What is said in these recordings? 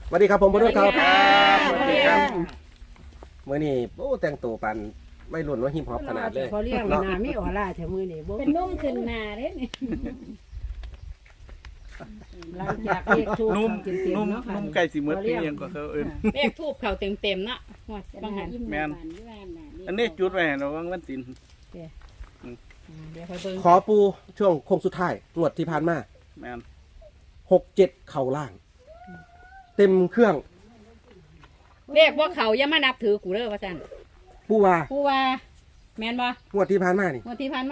สวัสดีครับผมบรรลุครับสวัสดีครับมื้อนี้โอ้แต่งตัวปันไม่รุ่นว่าฮิปฮอปขนาดเลยเขาเรียกว่านาไม่ออร่าแถวมือนี่บ่เป็นนุ่มขึ้นหนาเด้นี่หลังจากเรียกทูบนุ่มกินเต็มนุ่มเนาะค่ะนุ่มไก่สีมืดที่ยังก็เขาเอิ้นเลขทูบเขาเต็มๆเนาะหมดบางหันแม่น อันนี้จุดไว้ให้เราวังวันศิลป์เดี๋ยวคอยเบิ่งขอปูช่วงโค้งสุดท้ายงวดที่ผ่านมาแม่น 6-7 เข่าล่าง เต็มเครื่องเลขว่าเขาอย่ามานับถือกูเด้อว่าซั่นปูว่าผู้ว่าแม่นบ่งวดที่ผ่านมานี่งวดที่ผ่านมา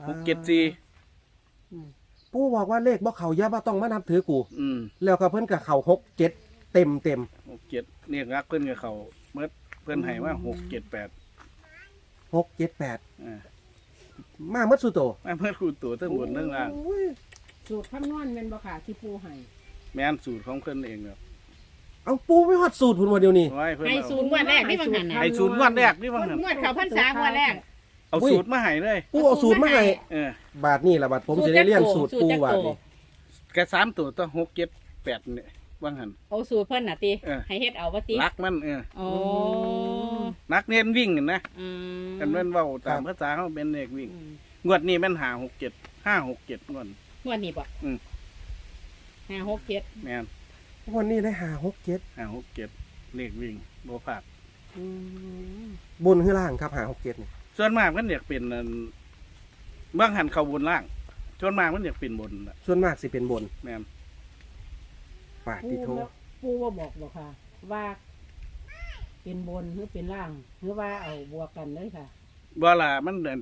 674 ปูบอกว่าเลขบ่เขาอย่าบ่ต้องมานับถือกูอืมแล้วก็เพิ่นก็เข่า6-7 เต็ม 67เนี่ยรักเพิ่นกับเขาเมื่อเพิ่นให้ว่า678 6-7-8 อ่ามาเมื่อสุโตมาเพิ่นคูตัวทั้งบนทั้งล่างสูตรคำนวณเป็นบ่ค่ะที่ปูให้แม่นสูตรของเพิ่นเองครับเอาปูไม่ฮอดสูตรพุ่นว่าเดียวนี้ไว้เพิ่นให้เอาศูนย์งวดแรกนี่บางหันน่ะให้สูตรงวดแรกนี่ว่างั้นงวดเขาพรรษางวดแรกเอาสูตรมาให้เลยปูเอาสูตรมาให้เออบาทนี่ล่ะบาทผมสิได้เรียนสูตรปูว่านี่แก3ตัวต้อง678เนี่ยว่างั้นเอาสูตรเพิ่นน่ะติเออให้เฮ็ดเอาบ่ติรักมันโอ้นักเน้นวิ่งนะอืมกันเว้นเว้าตามภาษาเขาเป็นเด็กวิ่งอืมงวดนี้แม่น567งวดงวดนี้บ่อืม 5 6 7 แม่นวันนี้ได้5-6-7 567เลขวิ่งบ่พลาดบนคือล่างครับ5-6-7นี่ส่วนมากมันอยากเป็นอันบางหันเข้าบนล่างส่วนมากมันอยากเป็นบนน่ะส่วนมากสิเป็นบนแม่นปาดปูที่โทปูว่าบอกบ่ค่ะ ว่า เป็นบนหรือเป็นล่างหรือว่าเอาบวกกันเลยค่ะบ่ล่ะมันเดิน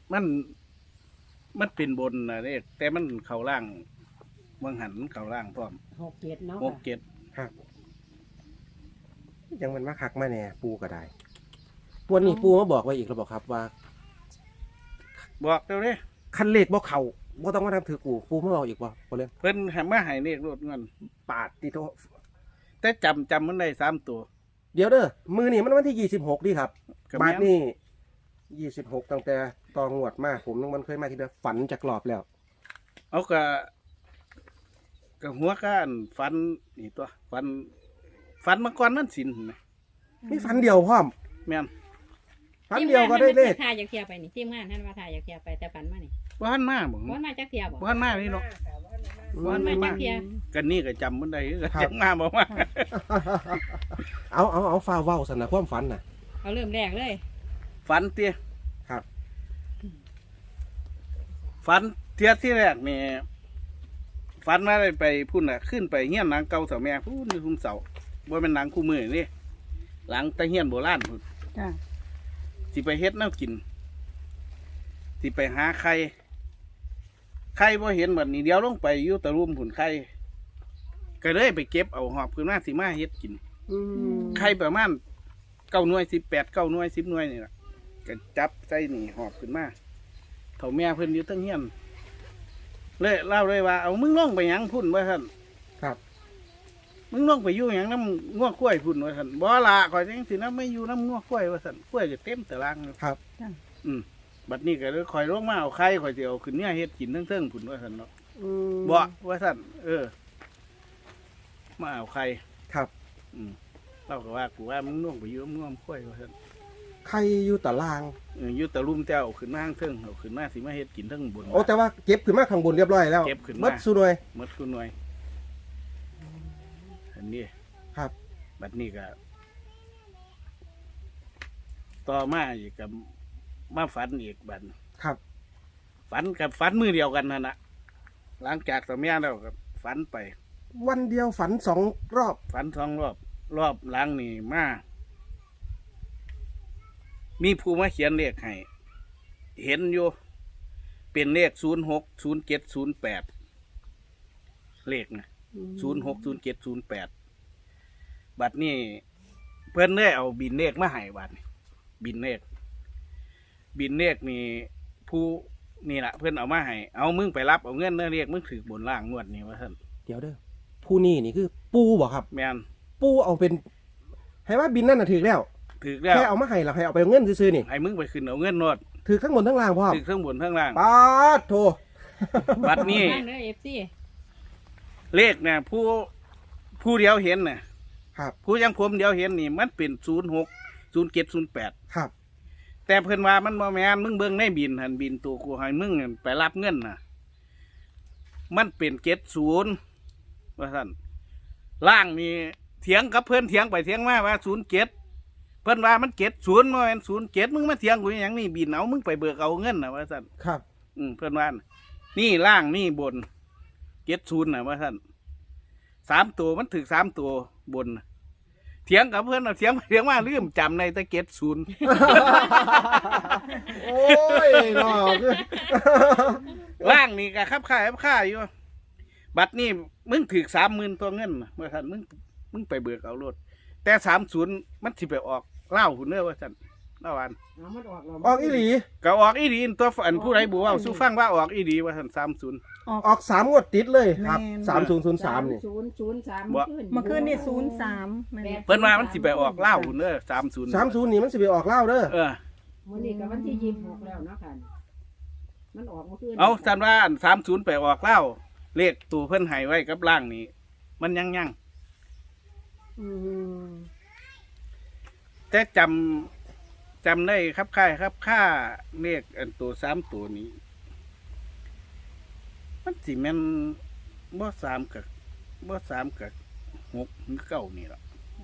มันเป็นบนน่ะเด้แต่มันเข้าล่างบางหันมันเข้าล่างพร้อม 6-7เนาะ 67 ครับยังมันมาคักมาแน่ปูก็ได้วันนี้ปูมาบอกไว้อีกแล้วบอกครับว่าบอกเด้อเด้คันเลขบ่เขาบ่ต้องมาทำถือกูปูมาบอกอีกบ่บ่เรื่องเพิ่นให้มาให้เลขรถเงินปาดที่โทแต่จำมันได้3ตัวเดี๋ยวเด้อมือนี่มันวันที่26นี่ครับก็บาแม่ทนนี่26ตั้งแต่ตองวดมาผมมันเคยมาทีเดียวฝันจากรอบแล้วเอาก็หัวก้านฟันนี่ตัวฟันมาก่อนนั่นสินนะมีฝันเดียวพร้อมแม่นฝันเดียวก็ได้เลขทายอยากเที่ยวไปนี่ทีมงานท่านว่าทายอยากเที่ยวไปแต่ฝันมานี่บ้านมาบ่บ่มาจักเที่ยวบ่บ้านมานี่เนาะบ่มาจักเที่ยวกันนี่ก็จำมันได้ก็ครับจำมาบอกว่าเอาฟ้าเว้าสนะความฝันน่ะเอาเริ่มแรกเลยฝันเตี้ยครับฝันเที่ยที่แรกนี่ฝันมาได้ไปพุ่นน่ะขึ้นไปเฮียนหลังเก่าเสาแม่พุ่นอยู่คุมเสาบ่เป็นหลังคู่มือนี่หลังตะเฮียนโบราณพุ่นจ้ะสิไปเฮ็ดแนวกินสิไปหาไข่บ่เห็นบัดนี้เดียวลงไปอยู่ตะรุมพุ่นไข่ก็เลยไปเก็บเอาหอบขึ้นมาสิมาเฮ็ดกิน ไข่ประมาณ9 หน่วย 18 9 หน่วย 10 หน่วยนี่ล่ะก็จับใส่นี่หอบขึ้นมาเฒ่าแม่เพิ่นอยู่เทั้งเฮียนเลยเล่าเลยว่าเอามึงลงไปหยังพุ่นว่าซั่นครับมึงลงไปอยู่หยังน้ำงัวข้วยพุ่นว่าซั่นบ่ละข่อยจังสินะไม่อยู่น้ำงัวข้วยว่าซั่นข้วยก็เต็มตารางอยู่ครับบัดนี้ก็เลยข่อยลงมาเอาไข่ข่อยสิเอาขึ้นเนี่ยเฮ็ดกินเทิงๆพุ่นว่าซั่นเนาะบ่ว่าซั่นมาเอาไข่ครับเราก็ว่ากูว่ามึงลงไปอยู่น้ำงัวข้วยว่าซั่นใครอยู่ตารางอยู่ตะลุ่มแต่เอาขึ้นมาข้างเทิงเอาขึ้นมาสิมาเฮ็ดกินเทั้งบนโอ้แต่ว่าเก็บขึ้นมาข้างบนเรียบร้อยแล้วเก็บขึ้นมามัดสุดเลยหมดคุณหน่วยอันนี้ครับบัดนี้ก็ต่อมาอีกกับมาฝันอีกบัดครับฝันกับฝันมือเดียวกันนั่นนะหลังจากสมัยแล้วก็ฝันไปวันเดียวฝัน2 รอบฝันรอบหลังนี่มามีผู้มาเขียนเลขให้เห็นอยู่เป็นเลข060708เลขนะ060708บัดนี้เพื่อนได้เอาบินเลขมาให้บัดนี้บินเลขนี่ผู้นี่แหละเพื่อนเอามาให้เอามึงไปรับเอาเงินเนื้อเลขมึงถือบนล่างงวดนี้ว่าท่านเดี๋ยวเด้อผู้นี่นี่คือปูบ่ครับแมนปูเอาเป็นให้ว่าบินนั่นน่ะถือแล้วถือแล้วแค่เอามาให้เราให้เอาไปเอาเงินซื้อๆนี่ให้มึงไปขึ้นเอาเงินโนดถือข้างบนทั้งล่างพ่อมถือทั้งบนทั้งล่างปาดโทบัดนี้บ้านเด้อ FC เลขเนี่ยผู้เดียวเห็นน่ะครับผู้ยังผมเดียวเห็นนี่มันเป็น06 07 08 ครับแต่เพิ่นว่ามันบ่แม่นมึงเบิ่งในบินหันบินตัวกูให้มึงนั่นไปรับเงินน่ะ มันเป็น70ว่าซั่นล่างนี่เถียงกับเพิ่นเถียงไปเถียงมาว่า07เพิ่นว่ามัน70บ่แม่น07มึงมาเถียงกูอหยังนี่บินเอามึงไปเบิกเอาเงินน่ะว่าซั่นครับเพิ่นว่าน่ะนี่ล่างนี่บน70น่ะว่าซั่น3ตัวมันถึก3ตัวบนน่ะเถียงกับเพิ่นน่ะเถียงไปเถียงมาลืมจำในแต่70 โอ้ยเนาะคือล่างนี่ก็ครับค่าอยู่บัตรนี่มึงถือ30,000ตัวเงินน่ะว่าซั่นมึงไปเบิกเอารถแต่30มันสิไปออกเล่าวหุ่นเด้อว่าซั่นเล่าวันเอามันออกแล้วออกอีหลีก็ออกอีดีตัวอันผู้ใดบอกว่าสู้ฟังว่าออกอีดีว่าซั่น30 ออก3งวดติดเลยครับแม่น 3003นี่ 003 บ่เมื่อคืนนี่03แม่นเพิ่นว่ามันสิไปออกเล่าวหุ่นเด้อ30 30นี่มันสิไปออกเหล้าเด้อมื้อนี้ก็วันที่26แล้วเนาะค่ะมันออกเมื่อคืนเอาซั่นว่าอัน30ไปออกเล่าวเลขตัวเพิ่นให้ไว้กับล่างนี่มันยังอืมแต่จำได้ครับค่าเลขอันตัว3ตัวนี้มันสิแม่นบ่3กับ6หรือ9นี่ล่ะ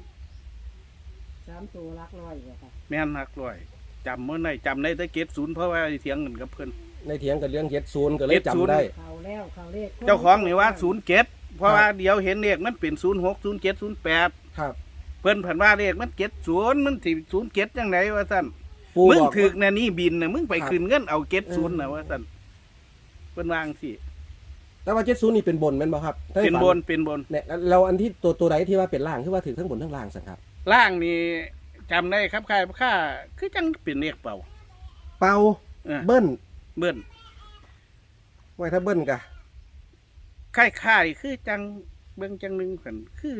3ตัวหลักร้อยบ่ค่ะแม่นหักร้อยจำได้แต่70เพราะว่าเถียงกันกับเพิ่นในเถียงกันเรื่อง70ก็เลยจำได้เข้าแล้วเข้าเลขเจ้าของนี่ว่า07เพราะว่าเดี๋ยวเห็นเลขมันเป็น06 07 08 ครับเพิ่นผันว่าเลขมัน70มันสิ07จังไดว่าซั่นปูมึงบอกถึกน่ะนี่บินน่ะมึงไปครับคืนเงินเอา70น่ะว่าซั่นเพิ่นวาจั่งสิแต่ว่า70นี่เป็นบนแม่นบ่ครับถ้าให้เป็นฝับนเป็นบนเนี่ยเราอันที่ตัวใดที่ว่าเป็นล่างคือว่าถือทั้งบนทั้งล่างสังครับล่างนี่จำได้ครับค่าคือจังเป็นเลขเป่าเป่าเออเบิ้ลเบิ้นไว้ถ้าเบิ้ลกะค่ายคือจังเบิ่งจังหนึงกันคือ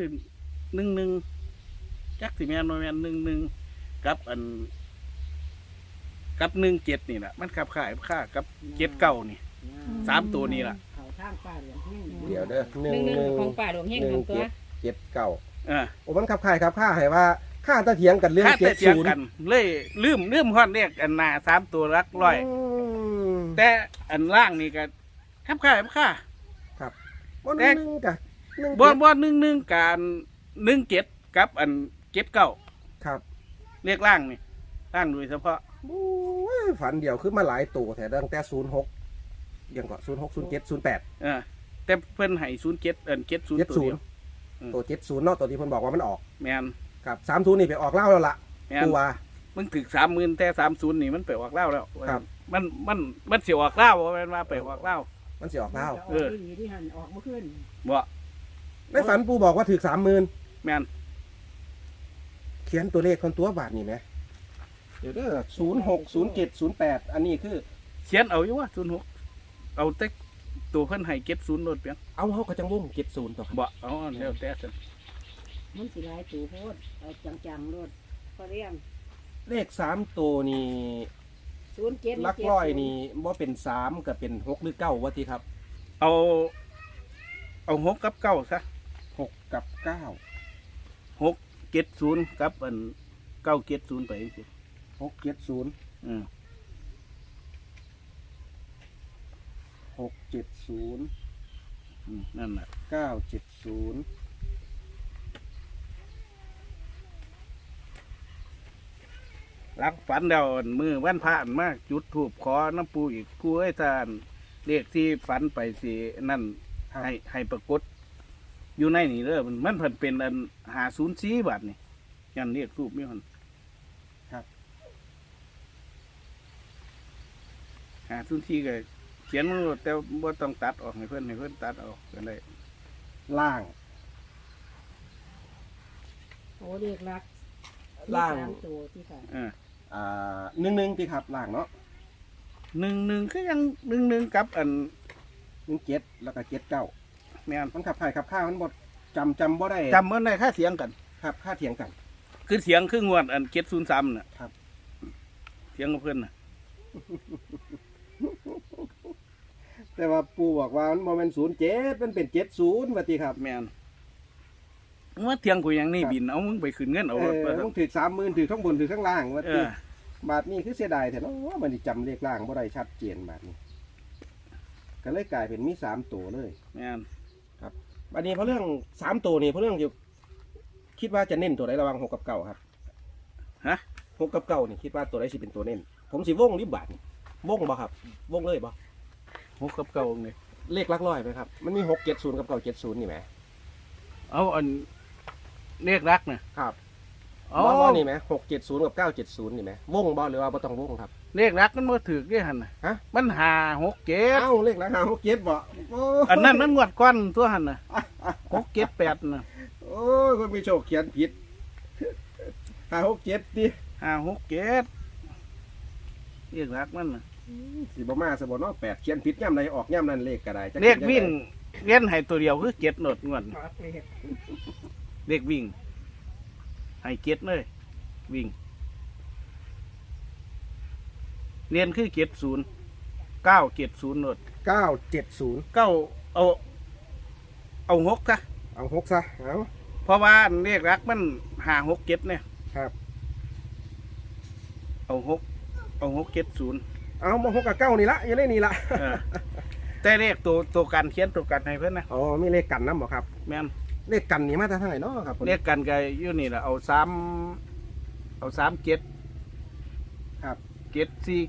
11จักสิแม่นบ่แม่น11กับอันกับ17นี่ล่ะมันขับค่ายค่ากับ79นี่ 3ตัวนี่ล่ะเข้าทางป้าเหลืองแห้งเดี๋ยวเด้อ 1ของป่าดวงเฮงของตัว 7 9 เออโอ้มันขับข่ายครับค่าให้ว่าค่าตะเถียงกันเรื่องค่าแต่เถียงกัน 70 เลยลืมฮอดเลขอันหน้า3ตัวหลักร้อยมแต่อันล่างนี่ก็ครับค่าครับบ่แต่นึงกะ1 บ่11การ17กับอัน79 ครับเลขล่างนี่ล่างโดยเฉพาะโอ้ยฝันเดียวคือมาหลายตัวแต่ตั้งแต่06ยังก็06 07 08 เออแต่เพิ่นให้07อัน70ตัวเดียว 70ตัว70เนาะตัวที่เพิ่นบอกว่ามันออกแม่นครับ30นี่ไปออกเหล้าแล้วล่ะแม่นปูว่ามึงถึก30,000แต่30นี่มันไปออกเหล้าแล้วครับมันสิออกเหล้าบ่แม่นว่าไปออกเหล้ามันสิออกเหล้าเออที่หันออกเมื่อคืนบ่ในฝันปูบอกว่าถือ30,000 แม่นเขียนตัวเลขคนตัวบาทนี่ไหมเดี๋ยวเด้อ06 07 08อันนี้คือเขียนเอาอยู่ว่า06เอาแต่ตัวเพิ่นให้70โลดเพียงเอาเขาก็จังวง70ตัวครับบ่เอาแล้วแต่ซั่นมันสิหลายตัวโพดเอาจังๆโลดพอเรียงเลข3ตัวนี่ 07 หลักร้อยนี่บ่เป็น3ก็เป็น6หรือ9ว่าติครับเอา6กับ9ซะ 6กับ9 670กับอัน970ไปจังซี่ 670 อืม 670 นั่นน่ะ 970 รักฝันแล้วอันมือวันพระอันมากจุดธูปขอน้ำปูอีกปูเอ้ยท่านเลขที่ฝันไปสินั่นให้ปรากฏอยู่ในนี่เด้อมันเพิ่นเป็นอัน504บาทนี่ยันเรียกรูปมีหั่นครับ 504ก็เขียนมันโลดแต่บ่ต้องตัดออกให้เพิ่นตัดออกก็ได้ล่างโอ้เรียกรักล่างมี3ตัวที่ค่ะ 11ติครับล่างเนาะ 11คือยัง11กับอัน 17แล้วก็79 แม่นมันขับถ่ายขับข้าวมันบ่จำบ่ได้จำมันได้ค่าเสียงกันครับค่าเถียงกันคือเสียงคืองวดอัน703น่ะครับเสียงกับเพิ่นน่ะแต่ว่าปูบอกว่ามันบ่แม่น07มันเป็น70ว่าติครับแม่นเมื่อเที่ยงกูยังนี่บินเอามึงไปขึ้นเงินเอารถต้องถือ30,000ถือข้างบนถือข้างล่างว่าเอติอบาทนี้คือเสียดายแต่เนาะมันสิจำเลขล่างบ่ได้ชัดเจนบาทนี้ก็เลยกลายเป็นมี3ตัวเลยแม่นบัดนี้เพราะเรื่อง3ตัวนี่เพราะเรื่องอยู่คิดว่าจะเน้นตัวใดระหว่าง6กับ9ครับฮะ 6กับ9นี่คิดว่าตัวใดสิเป็นตัวเน้นผมสิวงริบบาทนี่วงบ่ครับวงเลยบ่หกกับเก่าเลยเลขหลักร้อยไหมครับมันมี670กับ970นี่แหมเอาอันเลขรักน่ะครับอ๋อบ่นี่แหม670กับ970นี่แหมวงบ่หรือว่าบ่ต้องวงครับเลขรักมันบ่ถูกเด้หั่นน่ะฮะมัน5 6 7 เอ้าเลขหลัก5 6 7บ่โอ้อันนั้นมันงวดก้อนตัวหั่นน่ะ6 7 8น่ะโอ้ยคนมีโชคเขียนผิด5 6 7ดิ 5 6 7เลขรักมันน่ะสิบ่มาซะบ่เนาะ8เขียนผิดย่ำใดออกย่ำนั้นเลขก็ได้จัเลขวิ่งเล่นให้ตัวเดียวคือ7โนดงวดขอเลขเลขวิ่งให้7เลยวิ่งเรียนคือ70 970โนด 970 9เอา6ซะเอา6ซะเอาเพราะว่าเลขรักมัน5 6 7เนี่ยครับเอา6 70 เอามา6กับ9นี่ละอยู่ในนี่ละเออแต่เลขตัวกันเขียนตัวกันให้เพิ่นนะอ๋อมีเลขกันนำบ่ครับแม่นเลขกันนี่มาจากทางไหนเนาะครับเลขกันก็อยู่นี่แหละเอา3 7 ครับ 7 4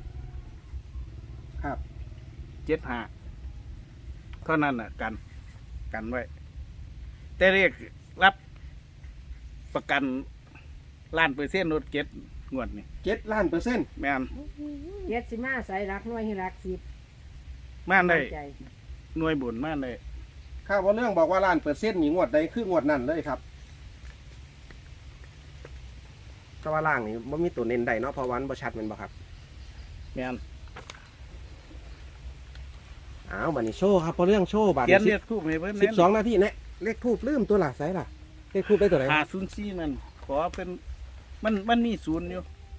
ครับ 7 5เท่านั้นน่ะกันไว้ แต่เลขรับประกัน1,000,000%รถเก็ตงวดนี่ 7ล้านเปอร์เซ็นต์แม่นเจ็ดสิมาใส่รักน้อยให้รักสิบมาได้ใจหน่วยบุญมาได้ข้าวว่าเรื่องบอกว่าล้านเปอร์เซ็นต์นี่งวดใดคืองวดนั้นเลยครับแต่ว่าล่างนี่บ่มีตัวเน้นใดเนาะเพราะวามันบ่ชัดแม่นบ่ครับแม่นอ้าวบัดนี้โชว์ครับเพราะเรื่องโชว์บัดเขียนนี้เลขทูบให้เพิ่น 12นาทีเนี่ยเลขทูบลืมตัวละไสล่ะเลขทูบได้ตัวไหน 504มันขอเป็นมันมีศูนย์อยู่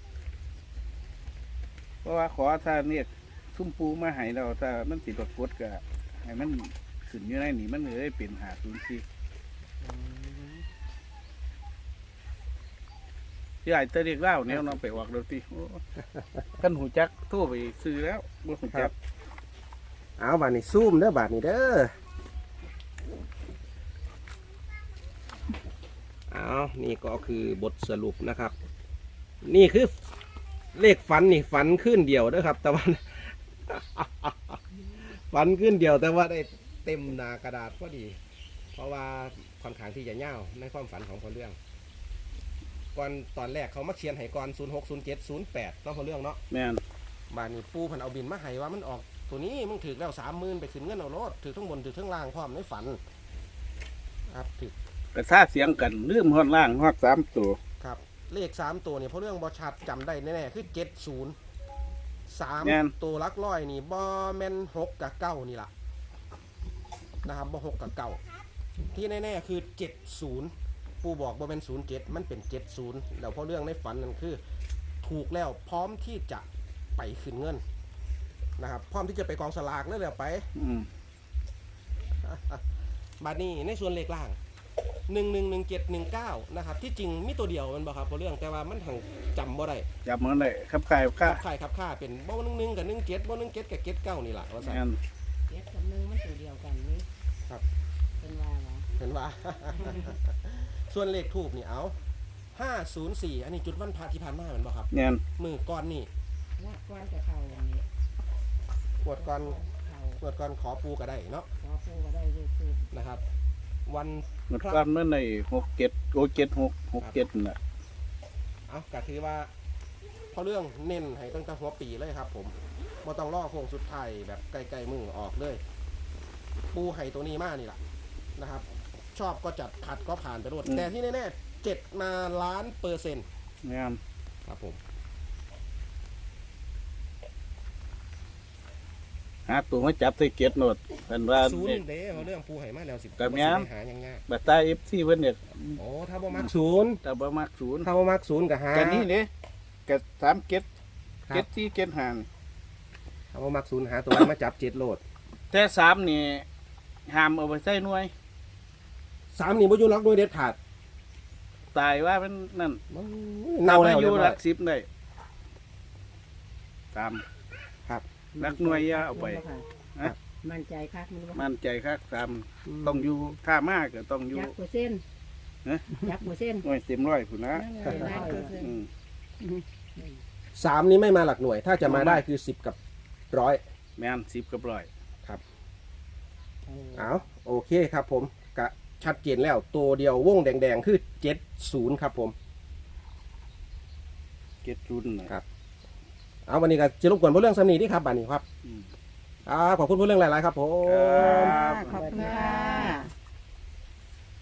เพราะว่าขอถ้าเนี่ยซุ่มปูมาให้เราถ้ามันสิปรากฏก็ให้มันขึ้นอยู่ในนี่มันเลยเป็น504ที่ไอ้เตะเรียกเล่าแนวน้องไปออกดนตรีโอ้กันหูจักโทั่วไปซื้อแล้วบ่หูจักเอาบัดนี้ซูมเด้อบัดนี้เด้อเอานี่ก็คือบทสรุปนะครับ นี่คือเลขฝันนี่ฝันขึ้นเดียวเด้อครับ แต่ว่า ฝันขึ้นเดียวแต่ว่าได้เต็มหน้ากระดาษพอดี เพราะว่าค่อนข้างที่จะยาวในความฝันของพอเรื่องก่อนตอนแรกเขามาเขียนให้ก่อน060708ต้องพอเรื่องเนาะแม่นบานนี้ปูเพันเอาบินมาให้ว่ามันออกตัวนี้มึงถือแล้ว30,000ไปขึ้นเงินเอารถถือทั้งบนถือทั้งล่างพร้อมในฝันครับถือกระซาเสียงกันลืมฮอดล่างฮอด3ตัวครับเลข3ตัวนี่เพราะเรื่องบอชัดจำได้แน่ๆคือ70 แม่น 3ตัวหลักร้อยนี่บอแมน6กับ9นี่ล่ะนะครับบอ6กับ9ที่แน่ๆคือ70ปูบอกบอแมน07มันเป็น70แล้วเพราะเรื่องในฝันนั่นคือ ถูกแล้วพร้อมที่จะไปขึ้นเงินนะครับพร้อมที่จะไปกองสลากเลยแล้วไปอืมบัดนี้ในส่วนเลขล่าง111719นะครับที่จริงมีตัวเดียวมันบอกครับเพราะเรื่องแต่ว่ามันหังจำบ่ได้จับมันได้ครับใครค่าใครครับค่าเป็นบ่11กับ17บ่17กับ79นี่ล่ะว่าซั่นแม่นเจ็ดกับหนึ่งมันตัวเดียวกันนี่ครับเป็นว่าเหรอเห็นว่า ส่วนเลขทูบนี่เอา504อันนี้จุดวันพระที่ผ่านมาแม่นบ่ครับแม่นมือก่อนนี่ว่าก้อนจะเข้าอย่างนี้กวดก่อนเข้ากวดก่อนขอปูก็ได้เนาะขอปูก็ได้เลยคือนะครับ วันหมดความนั่นใน67โอ้76 67น่ะเอาก็ถือว่าเพราะเรื่องเน้นให้ตั้งแต่หัวปีเลยครับผมบ่ต้องรอโค้งสุดท้ายแบบไกลๆมือออกเลย ปูไห่ตัวนี้มากนี่แหละนะครับ ชอบก็จัดขัดก็ผ่านไปรวดแต่ที่แน่ๆ7มาล้านเปอร์เซ็นต์แม่นครับผมหาตัวมาจับใส่เก็ดโนดเพิ่นว่าศูนเนี่ยย์เด้เพราะเรื่องปูไห่มาแล้ว10 ก็แม่นหายังง่ายบัตรตา FC เพิ่นเนี่ยโอ้ถ้าบ่มักศูนย์แต่บ่มักศูนย์ถ้าบ่มักศูนย์ก็หากันนี่เด้ก็3เก็ดครับเก็ด4เก็ด5นี่ถ้าบ่มักศูนย์หาตัวไว้มาจับ7โหลดแต่3นี่ห้ามเอาไปใส่หน่วย 3นี่บ่อยู่หลักหน่วยเด็ดขาดตายว่ามันนั่นเน่าแล้วอเรียยู่บหร้ลัอยก10ได้ตามครับหลักหน่วยอย่าเอาไป ฮะมั่นใจคักมันบ่มั่นใจครับตามต้องอยู่ถ้ามากก็ต้องอยู่ยักษ์เปอร์เซ็นต์ฮะยักษ์เปอร์เซ็นต์หน่วยเต็มร้อยพุ่นนะอืม 3นี้ไม่มาหลักหน่วย ถ้าจะมาได้คือ10กับ100 แม่น10กับร้อยเอาโอเคครับผมกะชัดเจนแล้วตัวเดียววงแดงๆคือ70ครับผมเก็ดรุ่นนะครับเอาวันนี้ก็จะรบกวนผู้เรื่องสำนีที่ครับบัดนี้ครับอืมขอบคุณผู้เรื่องหลายๆครับผมครับขอบคุณค่ะ